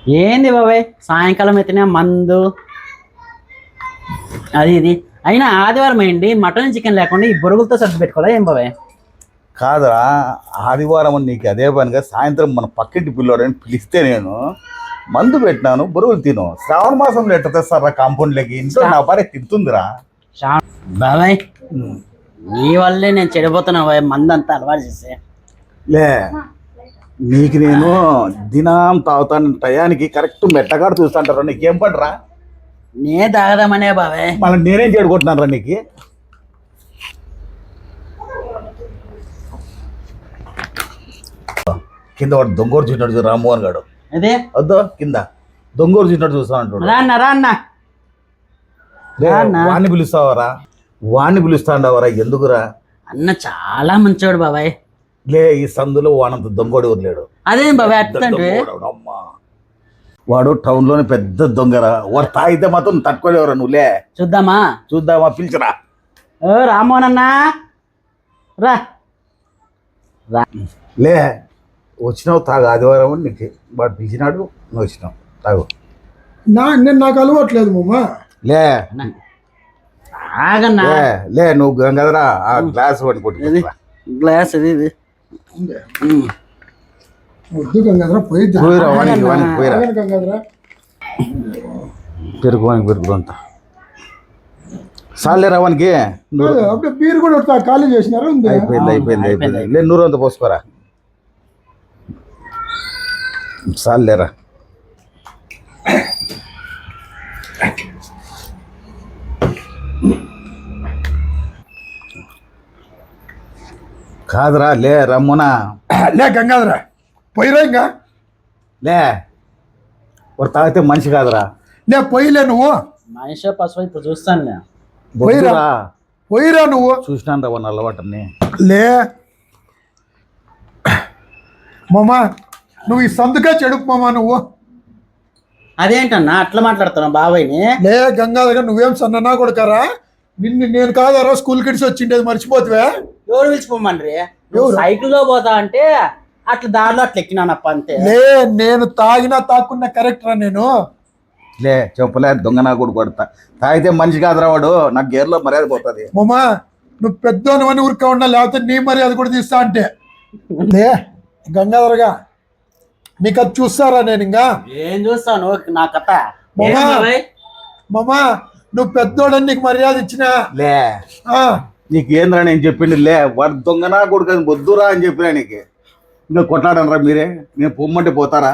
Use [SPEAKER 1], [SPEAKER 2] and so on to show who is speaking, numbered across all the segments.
[SPEAKER 1] ఏంది బాబాయ్ సాయంకాలం అయితేనే మందు అది ఇది అయినా ఆదివారం అయింది మటన్ చికెన్ లేకుండా ఈ బొరుగులతో సర్ది పెట్టుకోవాలా ఏం బాబాయ్?
[SPEAKER 2] కాదురా, ఆదివారం అని నీకు అదే పనిగా సాయంత్రం మన పక్కింటి పిల్లోడని పిలిస్తే నేను మందు పెట్టినాను, బరువులు తిను. శ్రావణ మాసంలో ఎట్ట తెస్తారా కాంపౌండ్లకి? ఇంట్లో నా భార్య తింటుందిరా.
[SPEAKER 1] బాబాయ్ నీ వల్లే నేను చెడిపోతున్నా బాబాయ్, మందు అంతా అలవాటు చేస్తే.
[SPEAKER 2] లే, నీకు నేను దినం తాగుతాను టయానికి కరెక్ట్ మెట్టగాడు చూస్తాంటారా. నీకేం పడరా?
[SPEAKER 1] నే తాగదామనే బాబాయ్.
[SPEAKER 2] మళ్ళీ నేనేం చెడుకుంటున్నాను రా నీకు? కింద వాడు దొంగోరు చూసినట్టు చూడు రామ్మోహన్ గాడు.
[SPEAKER 1] అదే
[SPEAKER 2] వద్దు, కింద దొంగోరు చూసినట్టు చూస్తా అంటాడు. వాడిని పిలుస్తావరా? వాడిని పిలుస్తాండవరా? ఎందుకురా?
[SPEAKER 1] అన్న చాలా మంచివాడు బాబాయ్.
[SPEAKER 2] లే, ఈ సందులో వాడంత దొంగోడు వదిలేడు.
[SPEAKER 1] అదేం బాబాయ్ అట్లంటే?
[SPEAKER 2] అమ్మా, వాడు టౌన్ లోనే పెద్ద దొంగరా. వాడు తాగితే మాత్రం తట్టుకోలేవరా. నువ్వులే చూద్దామా? పిలిచరా.
[SPEAKER 1] ఓ రామ్మోహన్ అన్నా రా.
[SPEAKER 2] లే, వచ్చినావు తాగు. ఆదివారం అని నీకు వాడు పిలిచినాడు, నువ్వు వచ్చినావు తాగు.
[SPEAKER 3] నేను నాకు అలవాట్లేదు మామ.
[SPEAKER 2] లే
[SPEAKER 1] ఆగన్నా.
[SPEAKER 2] లే నువ్వు గంగదరా ఆ గ్లాస్ పట్టుకుంటు.
[SPEAKER 1] గ్లాస్ ఇది ఇది
[SPEAKER 3] వద్దు గంగాధర పోయిద్దా.
[SPEAKER 2] పోయిరా
[SPEAKER 3] గంగాధర
[SPEAKER 2] పెరుగు అంతా సాలే రావానికి.
[SPEAKER 3] అప్పుడే బీరు కూడా ఖాళీ చేసినారు.
[SPEAKER 2] అయిపోయింది. లే, నూరు అంతా పోసుకోరా. సాలేరా. కాదురా, లే రమ్మునా.
[SPEAKER 3] లే గంగాధర పోయిరా. ఇంకా
[SPEAKER 2] లే, వాడు తాగితే మనిషి కాదురా.
[SPEAKER 3] లే పోయిలే నువ్వు.
[SPEAKER 1] మనిషి పశువు ఇప్పుడు చూస్తాను.
[SPEAKER 3] పోయిరా నువ్వు.
[SPEAKER 2] చూసినాను రా వాడిని అలవాటుని.
[SPEAKER 3] లే మామా, నువ్వు ఈ సందుకే చెడుపు మామా నువ్వు.
[SPEAKER 1] అదేంటన్నా అట్లా మాట్లాడుతున్నావు బాబాయ్ని?
[SPEAKER 3] లే గంగాధర నువ్వేం సన్ననా కొడుకారా? నిన్ను నేను కాదారా స్కూల్ కిడ్స్ వచ్చిండేది మర్చిపోతువే?
[SPEAKER 1] ఎవరు పిలిచిపోమని? సైకిల్లో పోతా అంటే అట్లా దారిలో అట్లా ఎక్కినానప్ప అంతే.
[SPEAKER 3] లే, నేను తాక్కున్నా కరెక్ట్ రా నేను.
[SPEAKER 2] లే చెప్పలే, దొంగ నా కూడా కొడతా. తాగితే మనిషి కాదురా వాడు. నాకు గేర్లో మర్యాద పోతుంది.
[SPEAKER 3] మామా నువ్వు పెద్దోని అని ఊరికే ఉన్నా, లేకపోతే నీ మర్యాద కూడా తీస్తా అంటే. లే గంగాధరగా నీకు అది చూస్తారా? నేను ఇంకా
[SPEAKER 1] ఏం చూస్తాను నా కథ.
[SPEAKER 3] మామా నువ్వు పెద్దోడని నీకు మర్యాద ఇచ్చినా.
[SPEAKER 2] లే నీకు ఏంద్రా నేను చెప్పింది? లే, వాడు దొంగనా కొడుకు వద్దురా అని చెప్పినా నీకు. ఇంకా కొట్లాడనరా మీరే? నేను పొమ్మంటే పోతారా?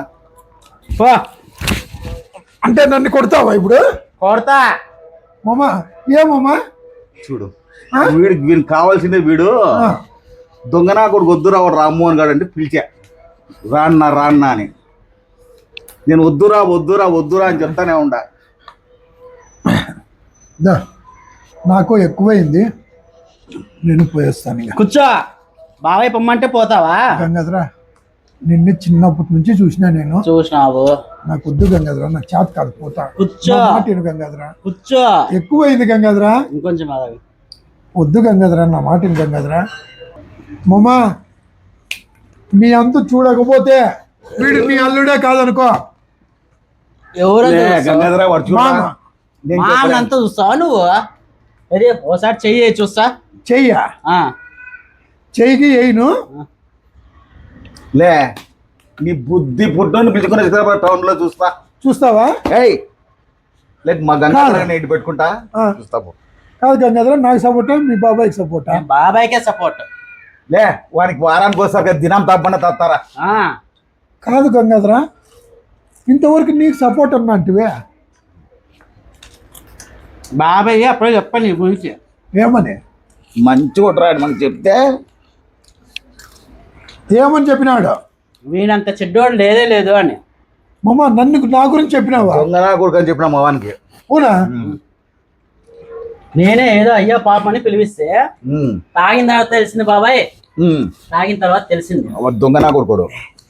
[SPEAKER 3] అంటే నన్ను కొడతావా ఇప్పుడు?
[SPEAKER 1] కొడతా
[SPEAKER 3] మామా. ఏమమ్మా
[SPEAKER 2] చూడు, వీడికి కావాల్సిందే. వీడు దొంగనా కొడుకు వద్దురా వాడు రామ్మోహన్ గారు అంటే పిలిచా. రాన్నా అని. నేను వద్దురా అని చెప్తానే ఉండా.
[SPEAKER 3] నాకు ఎక్కువైంది, నేను పోయేస్తాను. ఇంకా
[SPEAKER 1] కూర్చో. బాబాయ్ పొమ్మంటే పోతావా?
[SPEAKER 3] గంగాధర నిన్ను చిన్నప్పటి నుంచి చూసినా నేను.
[SPEAKER 1] చూసినావు?
[SPEAKER 3] నాకు వద్దు గంగాధర, నాకు చేత కాదు, పోతా.
[SPEAKER 1] కూర్చో
[SPEAKER 3] గంగాధర.
[SPEAKER 1] కూర్చో.
[SPEAKER 3] ఎక్కువైంది గంగాధర.
[SPEAKER 1] ఇంకొంచెం
[SPEAKER 3] వద్దు గంగాధర, నా మాటిని గంగాధర. మామా నీ అంతు చూడకపోతే వీడు నీ అల్లుడే కాదనుకో.
[SPEAKER 1] ఎవరు
[SPEAKER 2] గంగాధర వాడు
[SPEAKER 1] అంతా చూస్తావా నువ్వు? అదే ఓసారి చెయ్యి చూస్తా.
[SPEAKER 3] చెయ్యికి వేయను.
[SPEAKER 2] లే, నీ బుద్ధి పుట్టుని పిలుచుకుని టౌన్ లో చూస్తావా? లేక మా గంగాధర ఇంటి పెట్టుకుంటా చూస్తావు.
[SPEAKER 3] కాదు గంగాధర, నాకు సపోర్టా మీ బాబాయ్కి సపోర్టా?
[SPEAKER 1] బాబాయ్కే సపోర్ట్.
[SPEAKER 2] లే, వానికి వారానికి వస్తాక దినం తప్పకుండా తత్తారా.
[SPEAKER 3] కాదు గంగాధర, ఇంతవరకు నీకు సపోర్ట్ అన్నట్టువే.
[SPEAKER 1] బాబాయ్ అప్పుడే చెప్పాను నీ గురించి.
[SPEAKER 3] ఏమని?
[SPEAKER 2] మంచి కొట్టరాడు మనకు చెప్తే.
[SPEAKER 3] ఏమని చెప్పినాడు?
[SPEAKER 1] వీడంత చెడ్డోడు లేదు అని.
[SPEAKER 3] మామ నా గురించి చెప్పినావా?
[SPEAKER 2] దొంగనా కొడుకు అని చెప్పినా మా వానికి.
[SPEAKER 3] అవునా?
[SPEAKER 1] నేనే ఏదో అయ్యా పాప అని పిలిపిస్తే తాగిన తర్వాత తెలిసింది బాబాయ్. తాగిన తర్వాత తెలిసింది
[SPEAKER 2] దొంగనా కొడుకోడు.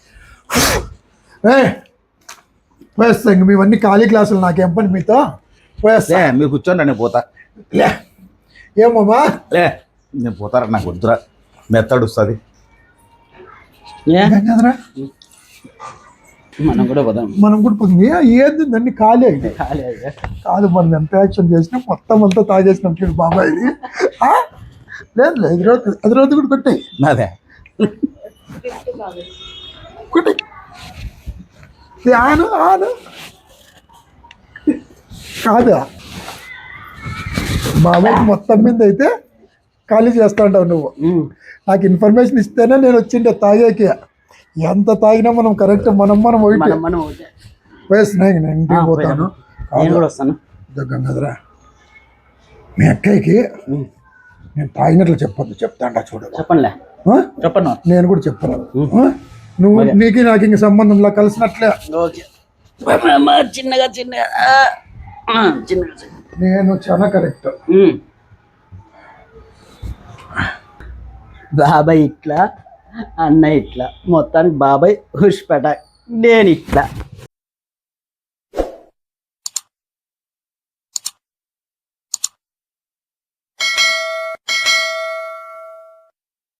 [SPEAKER 3] పోయేస్తా. ఇంక మీవన్నీ ఖాళీ క్లాసులు, నాకేం పని మీతో. పోయేస్తా.
[SPEAKER 2] మీరు కూర్చోండి, నేను పోతా.
[SPEAKER 3] లే ఏమమ్మా?
[SPEAKER 2] లే, నేను పోతారా? నాకు వద్దురా, మెత్తడు వస్తుంది.
[SPEAKER 3] గంగాధర
[SPEAKER 1] మనం కూడా పోదాం.
[SPEAKER 3] మనం కూడా పోతుంది ఏది అన్ని ఖాళీ అయింది
[SPEAKER 1] ఖాళీ అయ్యా.
[SPEAKER 3] కాదు మనం ఎంత యాక్షన్ చేసినా మొత్తం అంతా తాగేసినాం చూడు బాబాయ్ ఇది ఆ? లేదు లేదు అది రోజు కూడా కొట్టాయి
[SPEAKER 2] అదే
[SPEAKER 3] కొట్టాయి ఆను ఆను కాదు బాబాయ్ మొత్తం మీద అయితే ఖాళీ చేస్తా ఉంటావు నువ్వు నాకు ఇన్ఫర్మేషన్ ఇస్తేనే నేను వచ్చిండే తాగేకి ఎంత తాగినా మనం కరెక్ట్ మనం
[SPEAKER 1] మనం ఒకటే.
[SPEAKER 3] వేసినాయి నేను ఇంటికి పోతాను
[SPEAKER 1] నేను కూడా వస్తాను.
[SPEAKER 3] గంగాధరా మీ అక్కయ్యకి నేను తాగినట్లు చెప్పొద్దు చెప్తాండా చూడు
[SPEAKER 1] చెప్పండిలే.
[SPEAKER 3] ఆ?
[SPEAKER 1] చెప్పండి.
[SPEAKER 3] నేను కూడా చెప్పను ఆ? నువ్వు నీకు నాకు ఇంక సంబంధంలా కలిసినట్లే
[SPEAKER 1] ఓకే. చిన్నగా చిన్నగా చిన్నగా.
[SPEAKER 3] నేను చాలా కరెక్ట్
[SPEAKER 1] బాబాయ్ ఇట్లా, అన్న ఇట్లా, మొత్తానికి బాబాయ్ హుష్ పటాక్, నేను ఇట్లా.